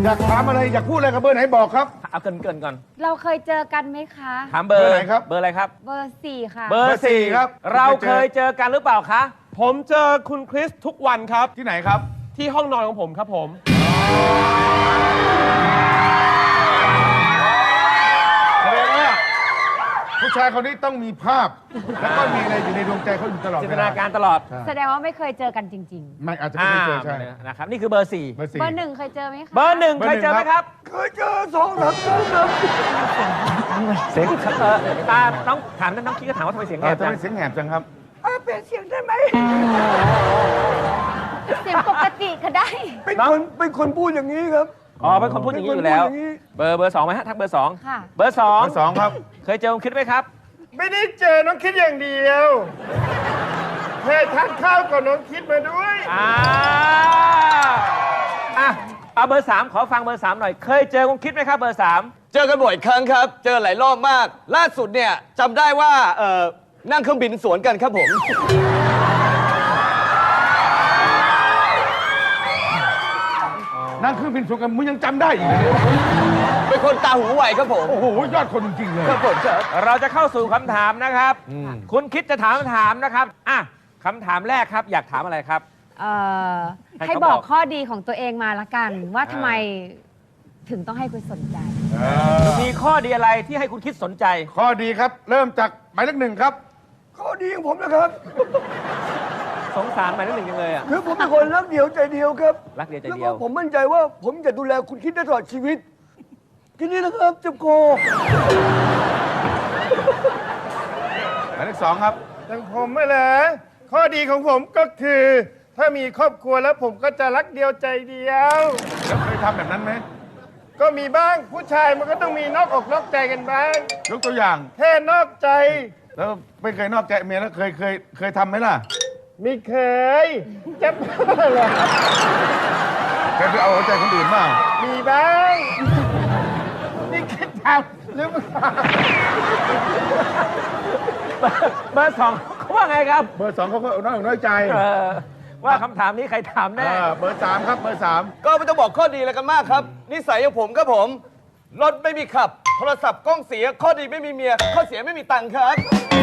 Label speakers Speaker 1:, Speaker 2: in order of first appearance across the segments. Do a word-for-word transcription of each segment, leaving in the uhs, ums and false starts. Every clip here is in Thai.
Speaker 1: อยากถามอะไรอยากพูดอะไรกับเบอร์ไหนบอกครับ
Speaker 2: เอาเกินเกินก่อน
Speaker 3: เราเคยเจอกันไหมคะ
Speaker 2: ถามเบอร์ไหนครับเบอร์อะไรครับ
Speaker 3: เบอร์สี่ค่ะ
Speaker 2: เบอร์สี่ครับเราเคยเจอกันหรือเปล่าคะ
Speaker 4: ผมเจอคุณคริสทุกวันครับ
Speaker 1: ที่ไหนครับ
Speaker 4: ที่ห้องนอนของผมครับผม
Speaker 1: แสดงว่าผู้ชายคนนี้ต้องมีภาพแล้วก็มีอะไรอยู่ในดวงใจเขาอยู่ตลอด
Speaker 2: จินตนาการตลอด
Speaker 3: แสดงว่าไม่เคยเจอกันจริง
Speaker 1: ๆไม่อาจจะไม่เคยเจอใช่
Speaker 2: นะครับนี่คือเบอร์สี่
Speaker 3: เบอร์สี่เบอร์หนึ่งเคยเจอไหมคะ
Speaker 2: เบอร์หนึ่งเคยเจอไหมครับ
Speaker 1: เคยเจอสองสามครั้งครับ
Speaker 2: เสียงเออตาน้องถามน้องคิดก็ถามว่าทำไมเสียงแหบจัง
Speaker 1: เสียงแหบจังครับ
Speaker 3: เปลี่ยนเสียงได้ไหมเสียงปกติก็ได้
Speaker 1: เป็นคนเป็นคนพูดอย่างนี้ครับ
Speaker 2: อ๋อเป็นคนพูดอย่างนี้อยู่แล้วเบอร์เบอร์สองไหมฮะทักเบอร์สอง
Speaker 3: ค่ะ
Speaker 2: เบอร์สอง
Speaker 1: เบอร์สองครับ
Speaker 2: เคยเจอคุณคิดไหมครับ
Speaker 5: ไม่ได้เจอน้องคิดอย่างเดียวเคยทานข้าวกับน้องคิดมาด้วย
Speaker 2: อ่าอ่ะเอาเบอร์สามขอฟังเบอร์สามหน่อยเคยเจอคุณคิดไหมครับเบอร์สาม
Speaker 6: เจอกันบ่อยครั้งครับเจอหลายรอบมากล่าสุดเนี่ยจำได้ว่าเอ่อนั่งเครื่องบินสวนกันครับผม
Speaker 1: นั่งเครื่องบินสวนกันมึงยังจำได้อีกเลย
Speaker 6: เป็นคนตาหูไวครับผม
Speaker 1: โอ้โหยอดคนจริงๆเลย
Speaker 6: ครับผมครับ
Speaker 2: เราจะเข้าสู่คำถามนะครับคุณคิดจะถามคำถามนะครับอ่ะคำถามแรกครับอยากถามอะไรครับ
Speaker 3: เอ่อให้บอกข้อดีของตัวเองมาละกันว่าทำไมถึงต้องให้คุณสนใจ
Speaker 2: มีข้อดีอะไรที่ให้คุณคิดสนใจ
Speaker 1: ข้อดีครับเริ่มจากหมายเลขหนึ่งครับข้อดีของผมนะครับ
Speaker 2: สงสารหมายเลขหนึ่งจังเลยอ่ะ
Speaker 1: คือผมเป็นคนรักเดียวใจเดียวครับ
Speaker 2: รักเดียวใจเดียว
Speaker 1: แล้วผมมั่นใจว่าผมจะดูแลคุณคิดได้ตลอดชีวิตทีนี้นะครับเจ็บคอหมายเลขสองครับ
Speaker 5: อย่างผมไม่เลยข้อดีของผมก็คือ ถ้ามีครอบครัวแล้วผมก็จะรักเดียวใจเดียว
Speaker 1: แล้วเคยทำแบบนั้นไหม
Speaker 5: ก็มีบ้างผู้ชายมันก็ต้องมีนอกอกนอกใจกันบ้าง
Speaker 1: ยกตัวอย่าง
Speaker 5: แค่นอกใจ
Speaker 1: แล้วไม่เคยนอกใจเมียแล้วเคยเคยเคยทำไหมล่ะ
Speaker 5: ไม่เคยจะเหรอ
Speaker 1: เคยไปเอาหัวใจคนอื่นบ้าง
Speaker 5: มีบ้างนี่คิดทำหรือเปล่า
Speaker 2: เบอร์สองเขาว่าไงครับ
Speaker 1: เบอร์สองเขาก็น้อยอกน้อยใจ
Speaker 2: ว่าคำถามนี้ใครถามแน่
Speaker 1: เบอร์สามครับเบอร์สาม
Speaker 6: ก็ไม่ต้องบอกข้อดีอะไรกันมากครับนิสัยของผมครับผมรถไม่มีขับโทรศัพท์กล้องเสียข้อดีไม่มีเมียข้อเสียไม่มีตังค์ครับ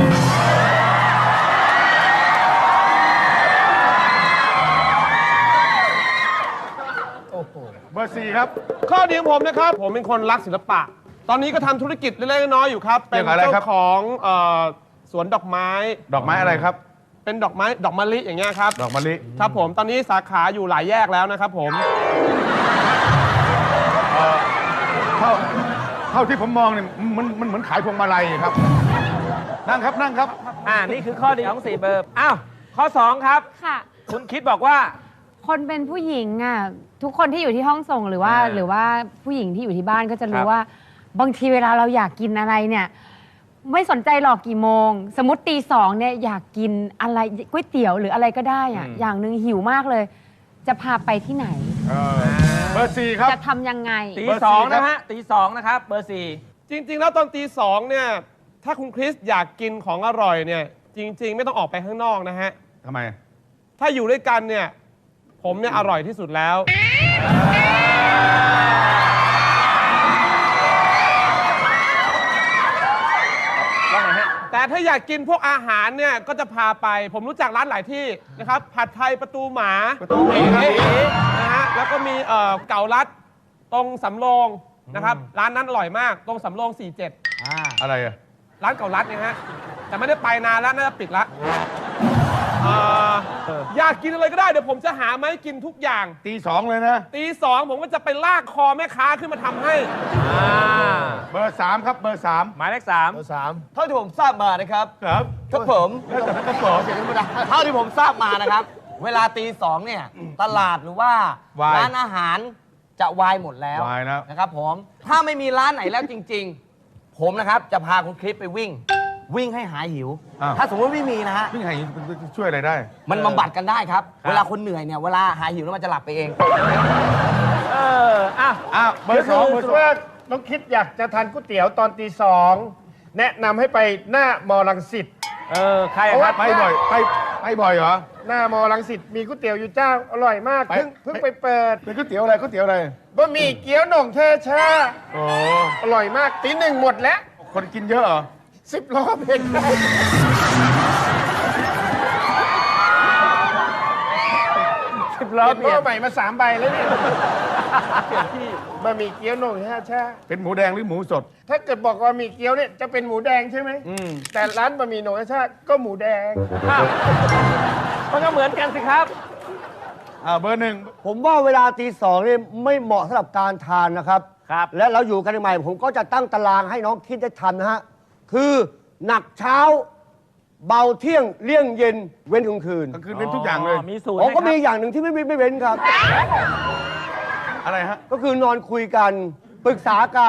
Speaker 1: เบอร์สี่ครับ
Speaker 4: ข้อดีของผมนะครับผมเป็นคนรักศิลปะตอนนี้ก็ทำธุรกิจเล็กๆน้อยๆอยู่ครับเป็นเจ้าของเอ่อสวนดอกไม้
Speaker 1: ดอกไม้อะไรครับ
Speaker 4: เป็นดอกไม้ดอกมะลิอย่างเงี้ยครับ
Speaker 1: ดอกมะลิ
Speaker 4: ครับผมตอนนี้สาขาอยู่หลายแยกแล้วนะครับผม
Speaker 1: เท่าเท่าที่ผมมองเนี่ยมันมันเหมือนขายพวงมาลัยครับนั่งครับนั่งครับ
Speaker 2: อ่านี่คือข้อดีของสี่เบอร์อ้าวข้อสองครับ
Speaker 3: ค่ะ
Speaker 2: คุณคิดบอกว่า
Speaker 3: คนเป็นผู้หญิงอ่ะทุกคนที่อยู่ที่ห้องส่งหรือว่าหรือว่าผู้หญิงที่อยู่ที่บ้านก็จะรู้ว่าบางทีเวลาเราอยากกินอะไรเนี่ยไม่สนใจหรอกกี่โมงสมมติตีสองเนี่ยอยากกินอะไรก๋วยเตี๋ยวหรืออะไรก็ได้อ่ะอย่างหนึ่งหิวมากเลยจะพาไปที่ไหน
Speaker 1: เบอร์สี่ครับ
Speaker 3: จะทำยังไง
Speaker 2: ตีสองนะฮะตีสองนะครับเบอร์สี่
Speaker 4: จริงๆแล้วตอนตีสองเนี่ยถ้าคุณคริสอยากกินของอร่อยเนี่ยจริงๆไม่ต้องออกไปข้างนอกนะฮะ
Speaker 1: ทำไม
Speaker 4: ถ้าอยู่ด้วยกันเนี่ยผมเนี่ยอร่อยที่สุดแล้วแต่ถ้าอยากกินพวกอาหารเนี่ยก็จะพาไปผมรู้จักร้านหลายที่นะครับผัดไทยประตูหมา
Speaker 1: ประตูหมา
Speaker 4: นะฮะแล้วก็มีเอ่อเก่าลัดตรงสำโรงนะครับร้านนั้นอร่อยมากตรงสำโรงสี่สิบเจ็ด
Speaker 1: อ่าอะไรอะ
Speaker 4: ร้านเก่าลัดเนี่ยฮะแต่ไม่ได้ไปนานแล้วน่าจะปิดละอยากกินอะไรก็ได้เดี๋ยวผมจะหามาให้กินทุกอย่าง
Speaker 1: ตีสองเลยนะ
Speaker 4: ตีสองผมก็จะไปลากคอแม่ค้าขึ้นมาทำให้
Speaker 1: เบอร์สามครับเบอร์สาม
Speaker 2: หมายเลขสาม
Speaker 1: เบอร์สาม
Speaker 6: เท่าที่ผมทราบมานะครับ
Speaker 1: ครับ
Speaker 6: ครับผม
Speaker 1: แล้วแต่ก็บอก
Speaker 6: เท่าที่ผมทราบมานะครับเวลาตีสองเนี่ยตลาดหรือว่าร้านอาหารจะวายหมดแล้ว
Speaker 1: วายแล้ว
Speaker 6: นะครับผมถ้าไม่มีร้านไหนแล้วจริงๆผมนะครับจะพาคุณคลิปไปวิ่งวิ่งให้หายหิวถ้าสมมติไม่มีนะฮะ
Speaker 1: วิ่งหายหิวช่วยอะไรได้
Speaker 6: มันบำบัดกันได้ครับเวลาคนเหนื่อยเนี่ยเวลาหายหิวแล้วมันจะหลับไปเอง
Speaker 2: เอออ่ะ
Speaker 1: อ่ะเบอร์สองเบอร์สอง
Speaker 5: ว่าน้องคิดอยากจะทานก๋วยเตี๋ยวตอนตีสองแนะนำให้ไปหน้ามอลังสิต
Speaker 2: เออใครครับ
Speaker 1: ไปบ่อยไปไปบ่อยเหรอ
Speaker 5: หน้ามอลังสิตมีก๋วยเตี๋ยวอยู่เจ้า อร่อยมาก
Speaker 1: ไป
Speaker 5: เพิ่งเพิ่งไปเปิด
Speaker 1: เป็นก๋วยเตี๋ยวอะไรก๋วยเตี๋ยวอะไร
Speaker 5: บะหมี่เกี๊ยวหน่งเทชา
Speaker 1: โอ้
Speaker 5: อร่อยมากตีหนึ่งหมดแล้ว
Speaker 1: คนกินเยอะเหรอ
Speaker 5: สิบล้อเพนสิบล้อเปลี่ยนใหม่มาสามใบแล้วเนี่ยเปลี่ยนที่บะหมี่เกี๊ยวหน่งเทชา
Speaker 1: เป็นหมูแดงหรือหมูสด
Speaker 5: ถ้าเกิดบอกว่ามีเกี๊ยวเนี่ยจะเป็นหมูแดงใช่ไหมแต่ร้านบะหมี่หน่งเทชาก็หมูแดง
Speaker 2: มันก็เหมือนกันสิครับ
Speaker 1: อ่าเบอร์หนึ่ง
Speaker 7: ผมว่าเวลาตีสองนี่ไม่เหมาะสำหรับการทานนะครับ
Speaker 2: ครับ
Speaker 7: และเราอยู่กันใหม่ผมก็จะตั้งตารางให้น้องคิดได้ทำนะฮะ คือหนักเช้า เบาเที่ยงเลี่ยงเย็นเว้นกลางคืน
Speaker 1: กลางคืนเป็นทุกอย่างเลย
Speaker 2: มีสูตร
Speaker 7: ผมก็
Speaker 2: ไห
Speaker 7: มี
Speaker 2: ครับ
Speaker 7: อย่างหนึ่งที่ไม่ไม่ไม่เว้นครับ
Speaker 1: อะไรฮะ
Speaker 7: ก็คือนอนคุยกัน ปรึกษากัน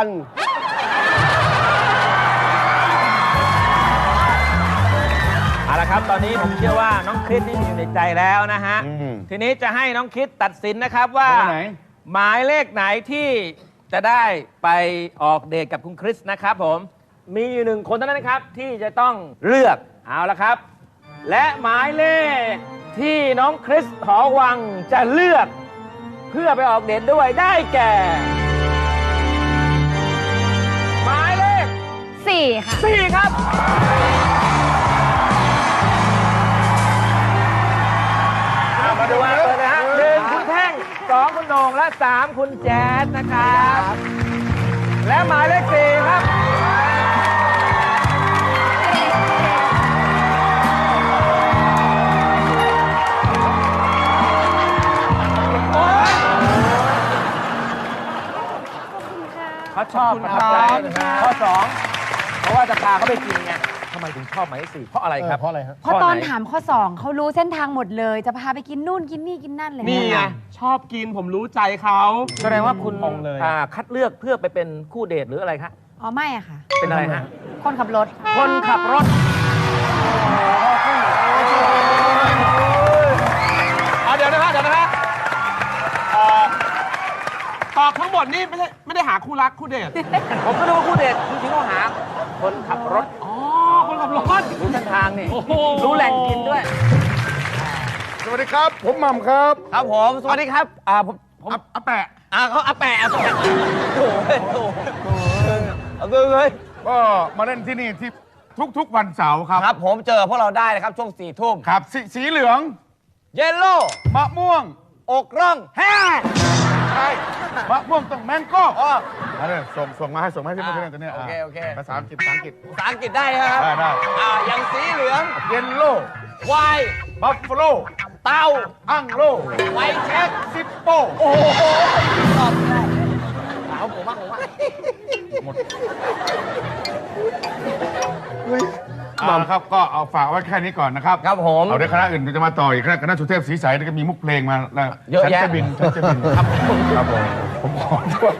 Speaker 2: เอาละครับ ตอนนี้ผมเชื่อว่าน้องคริสนี่มีอยู่ในใจแล้วนะฮะ
Speaker 1: อืม
Speaker 2: ทีนี้จะให้น้องคริสตัดสินนะครับว่า
Speaker 1: เบอร์ไหน
Speaker 2: หมายเลขไหนที่จะได้ไปออกเดทกับคุณคริสนะครับผม มีอยู่หนึ่งคนเท่านั้นนะครับ ที่จะต้องเลือก เอาละครับ และหมายเลขที่น้องคริสหอวังจะเลือก เพื่อไปออกเดทด้วยได้แก่ หมายเลข
Speaker 3: สี่ค่ะ
Speaker 2: สี่ครับ มาดูกันเลยนะฮะหนึ่งคุณแท่งสองคุณโหน่งและสามคุณแจ๊ดนะครับ และหมายเลขสี่ครับ โอ๊ยเขาชอบประทับใจข้อสองเพราะว่าจะพาเขาไปกินไงทำไมถึงชอบหมายเลขสี่เพราะอะไรครับ เพราะอะไรครับ
Speaker 3: เพราะตอนถามข้อสองเขารู้เส้นทางหมดเลย จะพาไปกินนู่นกินนี่กินนั่นเลย
Speaker 4: นี่ไงชอบกินผมรู้ใจเขา
Speaker 2: แสดงว่าคุณ
Speaker 4: มองเลย
Speaker 2: อ่าคัดเลือกเพื่อไปเป็นคู่เดทหรืออะไรคะ
Speaker 3: อ๋อไม่อะค่ะ
Speaker 2: เป็นอะไรฮะ
Speaker 3: คนขับรถ
Speaker 2: คนขับรถ
Speaker 4: เอาเดี๋ยวนะฮะเดี๋ยวนะฮะเอ่อตอบทั้งหมดนี่ไม่ใช่ไม่ได้หาคู่รักคู่เดท
Speaker 2: ผมก็นึกว่าคู่เดทจริงๆเขาหา คนขับรถ
Speaker 4: อ๋อ คนขับรถ
Speaker 2: รู้เส้นทางนี่
Speaker 4: โอ้โห
Speaker 2: รู้แหล่งกินด้วย
Speaker 1: สวัสดีครับ ผมหม่ำครับ
Speaker 2: ครับผม สวัสดีครับ อ่าผมผม
Speaker 1: อ่ะอ่ะแปะ
Speaker 2: อ่าเขาอาแปะอาแปะโอ้โหโอ้โหเอาเลยเลย
Speaker 1: ก็มาเล่นที่นี่ที่ทุกๆวันเสาร์ครับ
Speaker 2: ครับผมเจอพวกเราได้นะครับช่วงสี่ทุ่ม
Speaker 1: ครับสสีเหลือง
Speaker 2: เยลโล่
Speaker 1: มะม่วง
Speaker 2: อกร่องแฮ่
Speaker 1: ใช่มะม่วงต้องแมงโก้
Speaker 2: อ๋อ
Speaker 1: อันนี้ส่งส่งมาให้ส่งมาให้พี่
Speaker 2: อ่า
Speaker 1: เมื่อกี้ตัวเนี้ย
Speaker 2: โอเคโอเค
Speaker 1: ภาษาอังกฤษภาษาอังกฤษ
Speaker 2: ภาษาอังกฤษได้นะครับ
Speaker 1: ได้ได้
Speaker 2: อ่าอย่างสีเหลือง
Speaker 1: เยลโล่
Speaker 2: ไวน์
Speaker 1: บัฟฟาโล
Speaker 2: เต้า
Speaker 1: อังโล
Speaker 2: ไวน์เช็ค
Speaker 1: ซิปโป้
Speaker 2: โอ้โหชอบชอบเอาผมบ้างผมบ้าง
Speaker 1: หมดอ่าครับก็เอาฝากไว้แค่นี้ก่อนนะครับ
Speaker 2: ครับผม
Speaker 1: เอาเดี๋ยวคณะอื่นจะมาต่ออีกคณะคณะสุเทพศรีใสนี่ก็มีมุกเพลงมาแล้ว
Speaker 2: เยอะ
Speaker 1: ฉัน
Speaker 2: แยะ
Speaker 1: จะบินฉันจะบินครับครับผมผมขอด้วย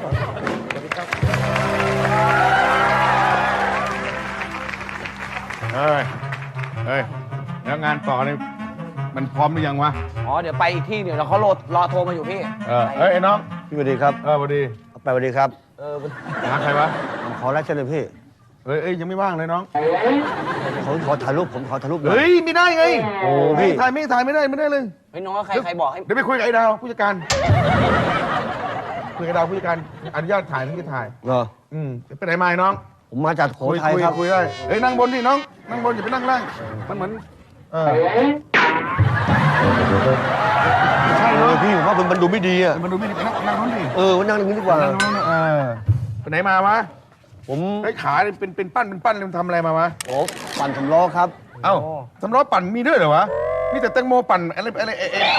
Speaker 1: เฮ้ยเฮ้ยแล้วงานต่อนี่มันพร้อมหรือยังวะ
Speaker 2: อ๋อ เดี๋ยวไปอีกที่เดี๋ยวเราเขารอรอโทรมาอยู่พี่
Speaker 1: เออเอ้ยไอ้น้อง
Speaker 7: พี่สวัสดีครับ
Speaker 1: เออสวัสดี
Speaker 7: ไปสวัสดีครับ
Speaker 2: เออ
Speaker 1: หาใครวะ
Speaker 7: ผมขอรับเชิญเลยพี่
Speaker 1: เฮ้ยเอ้ยยังไม่ว่างเลยน้อง
Speaker 7: ผมขอถ่ายรูปผมขอถ่ายรูปหน่อย
Speaker 1: เฮ้ยไม่ได้ไง
Speaker 7: โอ้พี่
Speaker 1: ไม่ถ่ายไม่ถ่ายไม่ได้ไม่ได้เลย
Speaker 2: เฮ้ยน้องใครใครบอกให้
Speaker 1: เดี๋ยวไปคุยกับไอ้ดาวผู้จัดการ คุยกับดาวผู้จัดการอนุญาตถ่ายถึงจะถ่าย
Speaker 7: เหรอ
Speaker 1: อืมไปไหนมาไอ้น้อง
Speaker 7: ผมมาจากโข
Speaker 1: คุย
Speaker 7: ทัย
Speaker 1: คุย
Speaker 7: ครับ
Speaker 1: คุยได้เฮ้ยนั่งบนดิน้อง นั่งบนอย่าไปนั่งล่าง มันเหมือน เออ
Speaker 7: ใช่เลยพี่ผมว่ามันมันดูไม่ดีอ่ะ
Speaker 1: มันดูไม่ดีไปนั่งนั่งนู้นดิ
Speaker 7: เออวันนั่งตรงนี้ดีกว่า
Speaker 1: นั่งนู้นเออไปไหนมาวะ
Speaker 7: ผม
Speaker 1: ไอ้ขาเนี่ยเป็นเป็นปั้นเป็นปั้นเลยมันทำอะไรมาวะ
Speaker 7: โอ้ปั่นสำล้อครับ
Speaker 1: เอ้าสำล้อปั่นมีด้วยเหรอวะมีแต่แตงโมปั่นอะไรอะไรเอ๊ะเอ๊ะ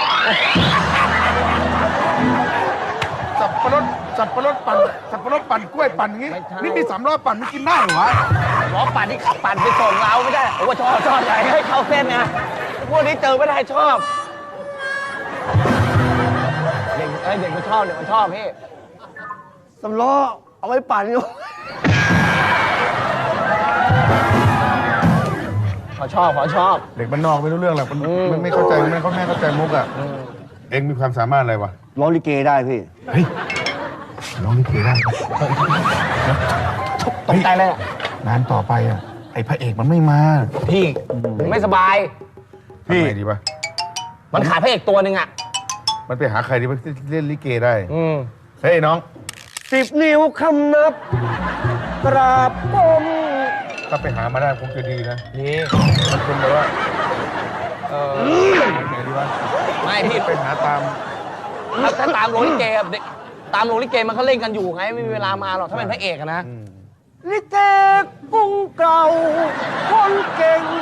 Speaker 1: สับปะรดสับปะรดปั่นสับปะรดปั่นกล้วยปั่นอย่างงี้นี่มีสามล้อปั่นมันกินได้เหรอวะ
Speaker 2: ล้อปั่นที่ขับปั่นไปส่งเราไม่ได้โอ้ชอบชอบอะไรให้เข้าเส้นนะพวกนี้เจอไม่ได้ชอบเด็กเอ้ยเด็กมันชอบเด็กมันชอบพี่
Speaker 7: สำล้อเอาไว้ปั่นอยู่
Speaker 2: เขาชอบเขาชอบ
Speaker 1: เด็กบ้านนอกไม่รู้เรื่องหรอกมันมันไม่เข้าใจมันไม่เข้าแม่เข้าใจมุกอ่ะเอ็งมีความสามารถอะไรวะ
Speaker 7: ร้องลิเกได้พี่
Speaker 1: เฮ้ยร้องลิเกได้
Speaker 2: ตกใจเลยอะ
Speaker 1: งานต่อไปอ่ะไอ้พระเอกมันไม่มา
Speaker 2: พี่ไม่สบาย
Speaker 1: พี่ไงดีปะ
Speaker 6: มันขาดพระเอกตัวหนึ่งอ่ะ
Speaker 1: มันไปหาใครดีปะที่เล่นลิเกได้
Speaker 6: อืม
Speaker 1: เฮ้ยน้อง
Speaker 7: สิบนิ้วคำนับ กราบก้ม
Speaker 1: ถ้าไปหามาได้คงจะดีนะ
Speaker 6: นี่
Speaker 1: มันเป็นแบบว่าเออไงดีวะ
Speaker 6: ไม่พี่
Speaker 1: ไปหาตาม
Speaker 6: ถ้าถ้าตามโรงลิเกอะเด็กตามโรงลิเกมันเขาเล่นกันอยู่ไง ไม่มีเวลามาหรอก ถ้าเป็นพระเอกอะนะ
Speaker 7: ลิเกกุ้งเก่า คนเก่ง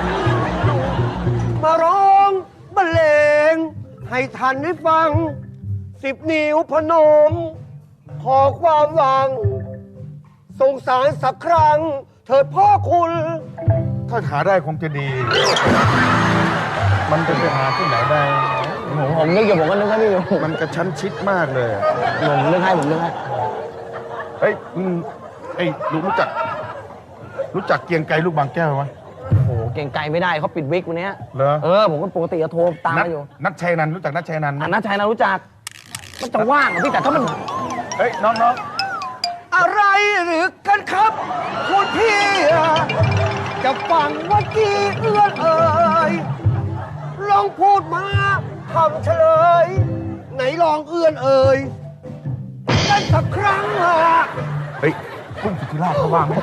Speaker 7: มาร้องบรรเลง ให้ทันได้ฟัง สิบนิ้วพนม ขอความหวัง สงสารสักครั้ง เถิดพ่อคุณ
Speaker 1: ถ้าหาได้คงจะดี มันจะไปหาที่ไหนได้
Speaker 6: ผมผมนึกอยู่ผมก็นึกให้พี่อยู่
Speaker 1: มันกระชั้นชิดมากเลยอะ
Speaker 6: ผมนึกให้ผมนึกให้
Speaker 1: เฮ้ยมึงไอ้ลูกรู้จัก รู้จักเกรียงไกรลูกบางแก้วไหม
Speaker 6: โอ้โห เก่งไกลไม่ได้เขาปิดวิกวันเนี้ย
Speaker 1: เหรอ
Speaker 6: เออ ผมก็ปกติจะโทรตาม
Speaker 1: นัท
Speaker 6: มาอยู่
Speaker 1: นัทชัยนันท์รู้จักนัทชัยนันท์ไหม
Speaker 6: อันนัทชัยนะรู้จัก มันจะว่างเหรอพี่แต่ถ้ามัน
Speaker 1: เฮ้ยน้องน้อง
Speaker 7: อะไรหรือกันครับ คุณพี่จะฟังว่ากี่เอื้อนเอ่ยลองพูดมาคำเฉลย ไหนลองเอื้อนเอ่ยกันสักครั้งอะ
Speaker 1: เฮ้ยกุ้งสุธิราชเขาว่างไหม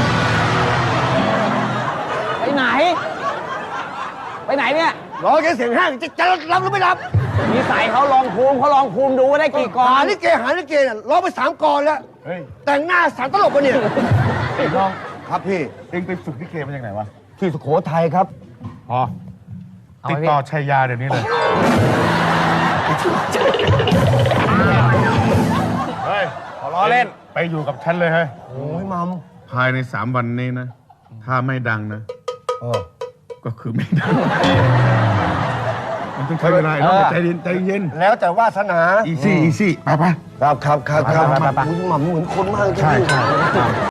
Speaker 6: ไปไหน ไปไหนเนี่ย
Speaker 7: รอแค่เสียงห้างจะจะรับหรือไม่รับ
Speaker 6: นิสัยเขาลองภูมิเขาลองภูมิดูว่าได้กี่กอ
Speaker 7: หาน ลิเกหาลิเกเนี่ยร้องไปสามกรแล้ว
Speaker 1: เฮ้ย
Speaker 7: แต่งหน้าสารตลกกันเนี่ย
Speaker 1: ไอ้น้อง
Speaker 7: ครับพี่
Speaker 1: เอ็งไปฝึกลิเกมาจากไหนวะ
Speaker 7: ที่สุโขทัยครับ
Speaker 1: อ๋อ
Speaker 6: เอา
Speaker 1: ติด
Speaker 6: ไว้พี่
Speaker 1: ต่อชัยยาเดี๋ยวนี้เลย เฮ้ย
Speaker 6: ขอล้อเล่น
Speaker 1: ไปอยู่กับฉันเลยเฮ้ย
Speaker 7: โอ้ยมัม
Speaker 1: ภายในสามวันนี้นะ ถ้าไม่ดังนะ
Speaker 7: เออ
Speaker 1: ก็คือไม่ดัง มันต้องใช้เวลาไอ้น้อง
Speaker 6: เออ
Speaker 1: ใจเย็นใจเย็น
Speaker 7: แล้วแต่วาสนา
Speaker 1: อีซี่อีซี่ไปไป
Speaker 7: ครับครับครับครับ
Speaker 1: ไปไปไป
Speaker 7: อุ๊ยมัมเหมือนคนมากจริงๆ
Speaker 1: ใช่ใช่